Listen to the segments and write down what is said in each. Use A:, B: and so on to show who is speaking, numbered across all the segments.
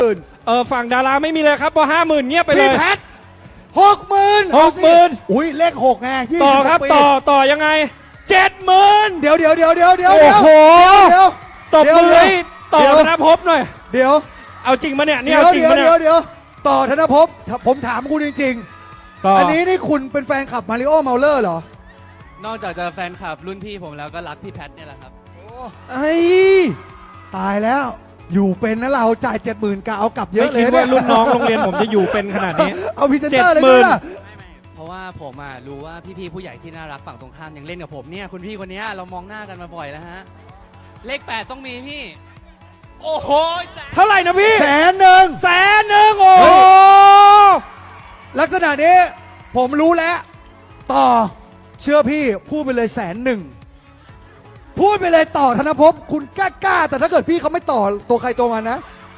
A: ฝั่งดาราไม่มีเลยครับพอ50,000เงียบไปเล
B: พี่
A: ย
B: แพท60,000
A: 60,000
B: อุ้ยเลข6ไง20
A: ต่อครับ
B: ปี
A: ต่อยังไง70,000
B: เดี๋ยว
A: โอ้โห
B: เดี๋ยว
A: ตบมือให้ต่อ
B: เดี๋ยว
A: ธนภพหน่อย
B: เดี๋ยว
A: เอาจริงมาเนี่ยนี่
B: เดี๋ยว
A: เอาจริงมาเนี่ย
B: เดี๋ยวต่อธนภพผมถามคุณจริง
A: ต่อ
B: ๆ
A: อั
B: อันนี้นี่คุณเป็นแฟนคลับมาริโอเมาเลอร์เหรอ
C: นอกจากจะแฟนคลับรุ่นพี่ผมแล้วก็รักพี่แพทเนี่ยแหละครับ
B: ไอ้ตายแล้วอยู่เป็นนะเราจ่าย 70,000กะเอากลับเย
A: ไม่
B: อะเล
A: คิ
B: ย
A: ดว่ารุ่นน้องโรงเรียนผมจะอยู่เป็นขนาดนี้
B: เอาพรีเซนเตอร์เลย
A: 70,000
B: ด้วยล่ะ
C: ไม่เพราะว่าผมรู้ว่าพี่ๆผู้ใหญ่ที่น่ารักฝั่งตรงข้ามยังเล่นกับผมเนี่ยคุณพี่คนเนี้ยเรามองหน้ากันมาบ่อยแล้วฮะเลข8ต้องมีพี่ โอ้โห
A: เท่าไหร่นะพี่
B: 100,000
A: 100,000โอ้โห
B: ลักษณะนี้ผมรู้แล้ว ต่อเชื่อพี่พูดไปเลย100,000พูดไปเลยต่อธนภพคุณกล้าแต่ถ้าเกิดพี่เขาไม่ต่อตัวใครตัวมันนะ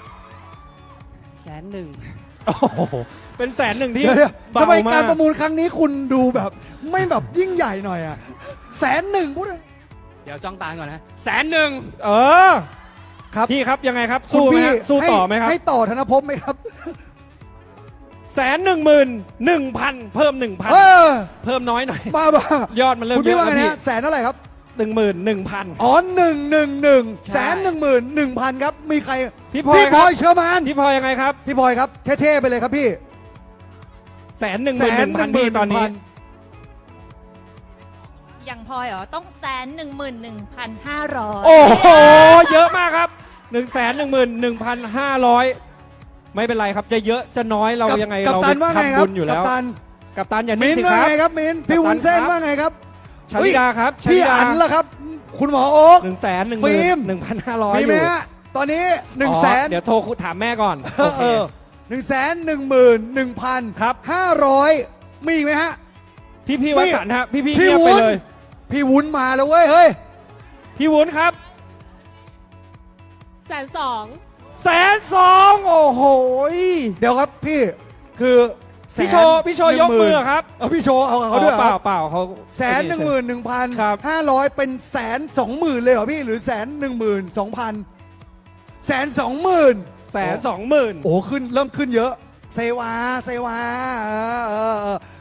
C: 100,000
A: โอ้โหเป็น100,000ที่
B: เดี๋ยว
A: เบา
B: ทำไม
A: มา
B: การ
A: ก
B: ประมูลครั้งนี้คุณดูแบบไม่แบบยิ่งใหญ่หน่อยอ่ะ100,000พูดเลย
C: เดี๋ยวจ้องตาก่อนนะ100,000
A: เออ
B: ครับ
A: พี่ครับยังไงครับ
B: คุณ
A: สู้ไหม
B: พี่
A: ฮะสู้ต่อไหมครับ
B: ให้ต่อธนภพไหมครับ
A: 111,000เพิ่ม
B: เอ
A: 1,000
B: อ
A: เพิ่มน้อยหน่อย
B: มา
A: ยอดมันเริ่ม
B: คุณ
A: เย
B: พี่
A: อะ
B: ว่า
A: แล้ว
B: ไง
A: พี่
B: นะแสนเท่าไหร่ครับ
A: 11,000
B: อ๋อ111
A: ใช่
B: 111,000ครับมีใคร
A: พี่พลอยครับ
B: เชื่อมัน
A: พี่พลอยยังไงครับ
B: พี่พลอยครับเท่ๆไปเลยครับพี่
A: 111,000พี่ตอนนี้
D: อย่างพลอยเหรอ ต้อง111,500
A: โอ้โห เยอะมากครับ 111,500 ไม่เป็นไรครับ จะเยอะจะน้อยเรายังไง
B: กัป
A: เรา
B: ตันว่าไงค
A: ทำ
B: รั
A: บุ
B: บ
A: ญอยู่แล้ว
B: กัปตัน
A: กัปตันอย่า
B: มิ
A: นิ่ง
B: น
A: สิ
B: ว่า
A: ครับ
B: ไงครับมินพี่
A: กัปตัน
B: วุ้นเส้น
A: ครับ
B: ว่าไงครับ
A: ชลิดาครับชลิ
B: พี่
A: ดา
B: อันล่ะครับ คุณหมอโอ๊ค ฟิล์ม
A: 111,500
B: มี
A: อ
B: ไหม
A: ยู่
B: ฮะตอนนี้100,000
A: เดี๋ยวโทรถามแม่ก่อนโอเค
B: 111,000 500มีอีกไหมฮะ
A: พี่วสันต์ฮะพี่
B: พี่
A: เงียบไป
B: วุ้น
A: เลย
B: พี่วุ้นมาแล้วเว้ยเฮ้ย
A: พี่วุ้นครับ
D: 120,000
A: 102,000โอ้โห
B: เดี๋ยวครับพี่คือแสน
A: พี่โชว์ยกมือครับ
B: เอาพี่โชว์เอากับเขาด้วยเหรอ
A: เป
B: ค
A: ล่า
B: รับ
A: เปล่าเขา
B: 111,000
A: ครับ
B: 500เป็น120,000เลยเหรอพี่หรือ112,000 120,000
A: 120,000
B: โอ้ขึ้นเริ่มขึ้นเยอะ เซวา